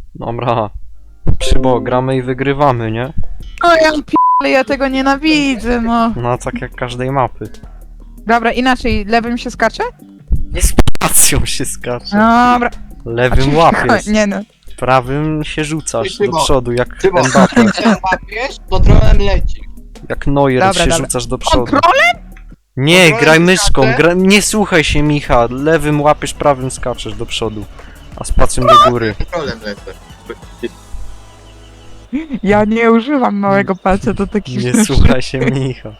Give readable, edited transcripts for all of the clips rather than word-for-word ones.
Dobra. Przybo, gramy i wygrywamy, nie? O ja p***le, ja tego nienawidzę, no. No tak jak każdej mapy. Dobra, inaczej, lewym się skacze? Nie z pacją się skacze. Dobra. Lewym łapiesz. Nie no. Prawym się rzucasz do Przybo. przodu, jak Przybo. Mbappe. Jak łapiesz, kontrolem leci. Jak Neuer Dobra, się dobra. rzucasz do przodu. Kontrolem? Nie, Kontrolem graj myszką, skaczę? nie słuchaj się Micha. Lewym łapiesz, prawym skaczesz do przodu. A z pacją do góry. Kontrolem lecę. Ja nie używam małego palca do takich Nie rzeczy. słuchaj się Micha.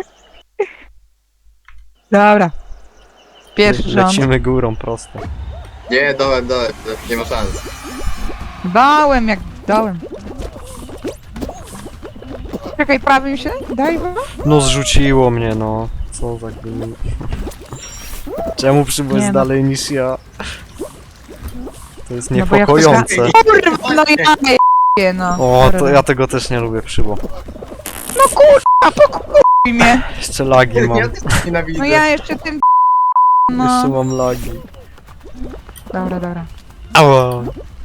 Dobra. Pierwszy rząd. Lecimy górą prosto. Nie, dołem, nie ma szans. Dałem jak dałem. Czekaj, prawym się? Daj bo? No zrzuciło mnie, no. Co za gówno. Czemu Przybo Nie jest no. dalej niż ja? To jest No bo ja niepokojące. Kurwa, no ja je, no. O, to ja tego też nie lubię, Przybo. No kurwa, pokupuj mnie. Jeszcze lagi mam. Ja też nienawidzę. No ja jeszcze tym Jeszcze no. mam lagi. Dobra, dobra. Ała.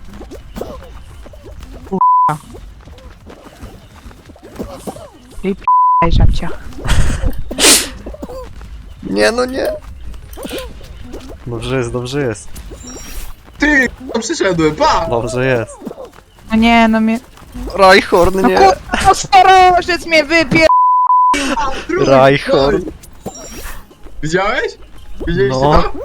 I p***aj żabcia. Nie, no nie. Dobrze jest, dobrze jest. Ty, tam przyszedłem, pa! Dobrze jest. No nie, no mnie... Rajhorn, No nie. kurwa, no starożec mnie wypier... Rajhorn. Widziałeś? Widzieliście No. to?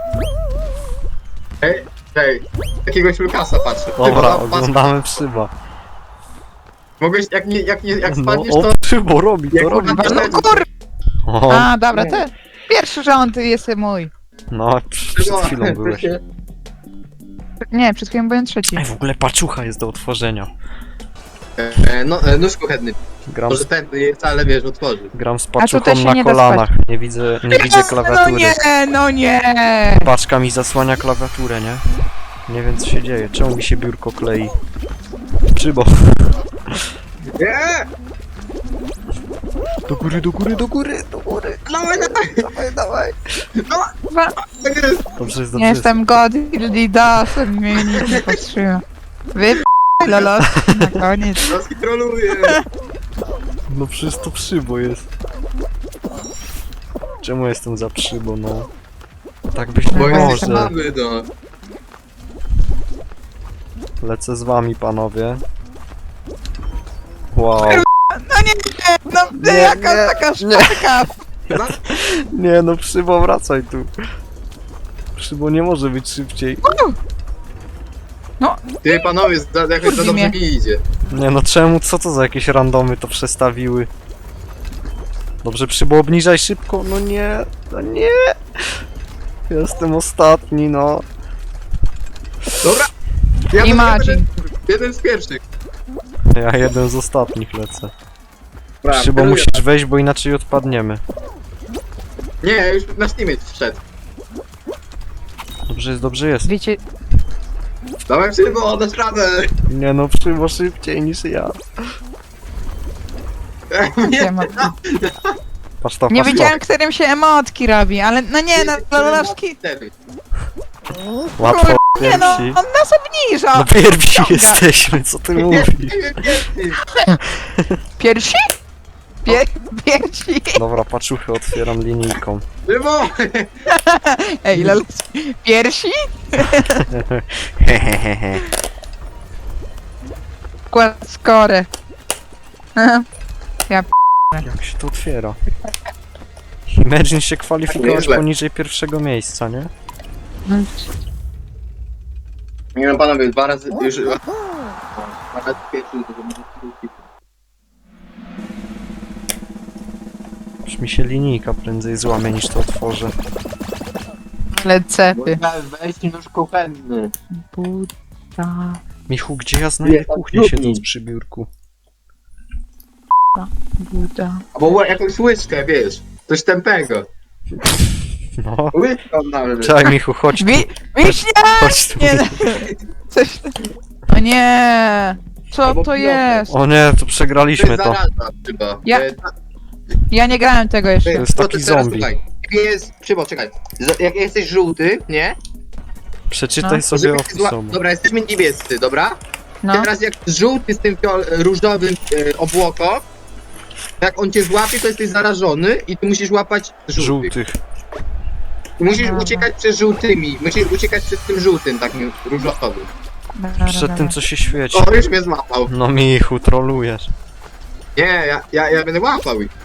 Ej, jakiegoś Lukasa patrzę. Dobra, Ty, oglądamy Przyba. mogłeś, jak No, spadniesz, o, to... Przybo robi, Jak to robi. kurwa- No kurwa. O, A, dobra, ten. Pierwszy rząd jest mój. no, przed chwilą byłeś. Nie, przed chwilą byłem trzeci. Ej, w ogóle paczucha jest do otworzenia. Nóż kuchenny. Gram Może z, ten wcale, wiesz, otworzy. gram z tu paczuchą też się na nie da kolanach. Nie widzę No klawiatury. nie, no nie. Paczka mi zasłania klawiaturę, nie? Nie wiem co się dzieje. Czemu mi się biurko klei? Przybo. Nie! Do góry, do góry, do góry, do góry. Dawaj, Dawaj, dawaj. Kurwa, tak jest! Dobrze jest, dobrze nie jest. jestem godny dasem, mnie nikt nie powstrzyma. Lolos, na koniec. Roski troluje! No przecież to Przybo jest. Czemu jestem za Przybo, no? Tak być Bo nie jesteś może. mamy, no. Lecę z wami, panowie. Wow. No nie, no Nie, jaka nie, taka nie. szpaka. Nie no, Przybo, wracaj tu. Przybo nie może być szybciej. Ty, panowie, jakoś za Kurwi dobrze mnie. mi idzie. Nie no, czemu? Co to za jakieś randomy to przestawiły? Dobrze, Przybo, obniżaj szybko. No nie, no nie. Jestem ostatni, no. Dobra! Ja Imagine. będę jeden z pierwszych. Ja jeden z ostatnich lecę. Dobra, Przybo, kieruję. musisz wejść, bo inaczej odpadniemy. Nie, już na Steamie wszedł. Dobrze jest, dobrze jest. Wiecie, Dawaj Przybo, dasz radę! Nie no, Przybo szybciej niż ja. nie ma. Patrz to, Nie patrz wiedziałem, którym się emotki robi, ale no nie, no Lolowski. Wtedy. to. Łatwo, Nie no, pierwsi. on nas obniża. No pierwsi Ściąga. jesteśmy, co ty mówisz? Piersi? Piersi? Dobra, paczuchy otwieram linijką. Przybo! Ej, Lolowski. Piersi? Hehehe. Kład skorę. Jak się to otwiera? Imagine się kwalifikować Nieźle. poniżej pierwszego miejsca, nie? Nie no, panowie, dwa razy już... Nawet pierwszy, to może drugi. Już mi się linijka prędzej złamie niż to otworzę. Ale cepy. Weź nóż kuchenny. Buda. Michu, gdzie ja znajdę Nie, kuchnię tak siedząc lubię. przy biurku? Buda. Albo jakąś łyżkę, wiesz. Coś tępego. No. Łyżką nawet. Czekaj, Michu, chodź tu. Wiśnia! Chodź tu. Nie, no. Coś... O nie! Co Albo to pilota. jest? O nie, to przegraliśmy to. Zaraza, chyba. Ja- Ja nie grałem tego jeszcze. jest taki teraz zombie. słuchaj. Jest, Przybo, czekaj. Jak jesteś żółty, nie? Przeczytaj No. sobie Żeby opis zła- sobie. Dobra, jesteśmy niebiescy, dobra? No. Teraz jak żółty z tym różowym obłoko, jak on cię złapie, to jesteś zarażony i ty musisz łapać żółtych. Żółtych. Musisz Dobra. uciekać przed żółtymi, musisz uciekać przed tym żółtym, takim różowym. Dobra, Przed dobra. tym, co się świeci. O, już mnie złapał. No Michu, trolujesz. Nie, ja będę łapał ich.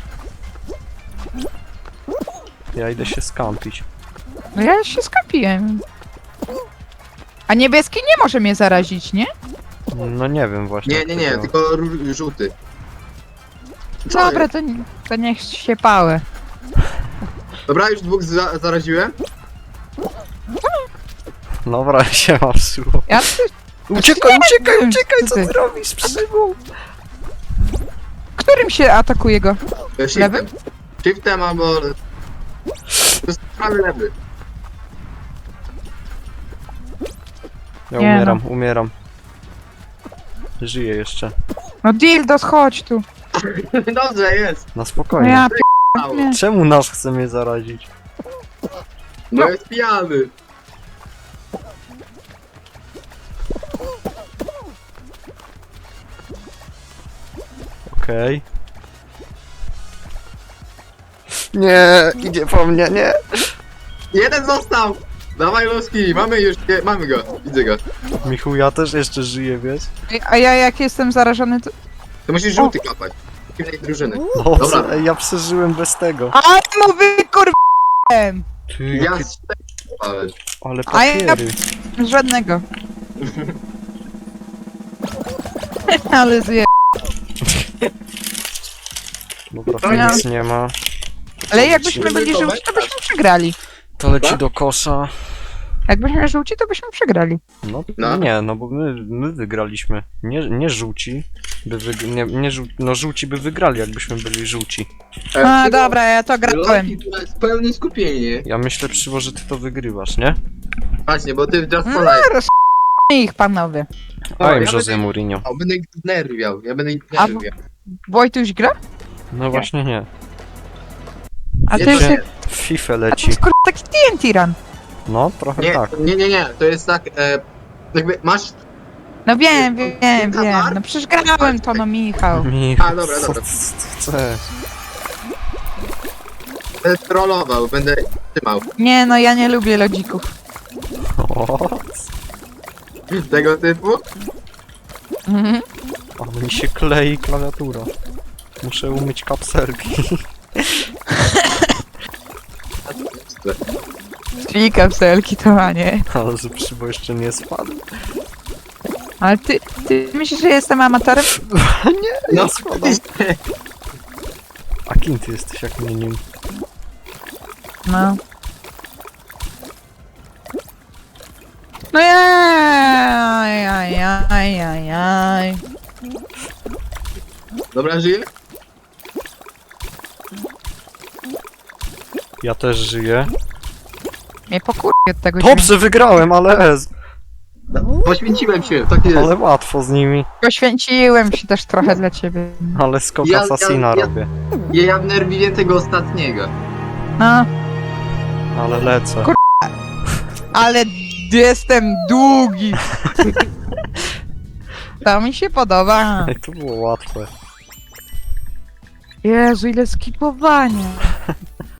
Ja idę się skampić. No ja się skapiłem. A niebieski nie może mnie zarazić, nie? No nie wiem właśnie. Nie, jak nie, to nie, działa. tylko żółty. Co Dobra, jest? to niech się pałe. Dobra, już dwóch zaraziłem. Dobra, się ma psuło. Ja Uciekaj, nie uciekaj, wiem, uciekaj, co co ty? ty robisz, przybą? Którym się atakuje go? Shiftem. Lewym? Shiftem albo... To jest prawy lewy. Ja Nie umieram. Żyję jeszcze. No Dildos, chodź tu. Dobrze, jest. Na No spokojnie. ja Mało. p***nie. Czemu nas chce mnie zarazić? No jest pijany. Okej. Nie, idzie po mnie, nie. Jeden został. Dawaj Luski, mamy już, nie, mamy go. Widzę go. Michu, ja też jeszcze żyję, wiesz? A ja jak jestem zarażony, to... To musisz żółty kapać. Innej drużyny. Dobrze, Dobra. ej, ja przeżyłem bez tego. A no wykurwałem! Ty, Ja jakie, strzelałem. ale A ja- papiery. Żadnego. Ale zje... Dobra, To tu ja- nic nie ma. Ale jakbyśmy byli żółci, to byśmy przegrali. To leci do kosza. Jakbyśmy żółci, to byśmy przegrali. No, No. nie, no bo my wygraliśmy. Nie żółci. No żółci by wygrali, jakbyśmy byli żółci. A dobra, ja to grałem. Luski, to jest pełne skupienie. Ja myślę, Przywo, że ty to wygrywasz, nie? Właśnie, bo ty Just No, for Life. roz... ich panowie. Powiem ja Jose będę- Mourinho. O, będę ich nerwiał, ja będę ich A- nerwiał. Wojtuś gra? No właśnie nie. A to Nie, jest... nie. W FIFA A to leci. jest kurwa taki TNT run. No, trochę Nie, tak. nie, to jest tak, jakby masz... No wiem. Katar? No przecież grałem to, no Michał. Michu, A, dobra, co dobra. ty chcesz? Będę trollował, będę trzymał. Nie no, ja nie lubię lodzików. O, Tego typu? Mhm. ale mi się klei klawiatura. Muszę umyć kapselki. Czyli kapselki to, a nie. Ale że Przywo jeszcze nie spadł. Ale ty myślisz, że jestem amatorem? Ja No, spadam. A kim ty jesteś, jak mnie nim? No. No jaj. Dobra, żyje? Ja też żyję. Mnie pokurwi od tego dźwięku. Dobrze, wygrałem, ale Poświęciłem się, tak jest. ale łatwo z nimi. Poświęciłem się też trochę dla ciebie. Ale skok Ja- Assassina ja- robię. Ja wnerwiłem tego ostatniego. No, Ale lecę. Kur- ale jestem długi. To mi się podoba. Ej, to było łatwe. Jezu, ile skipowania.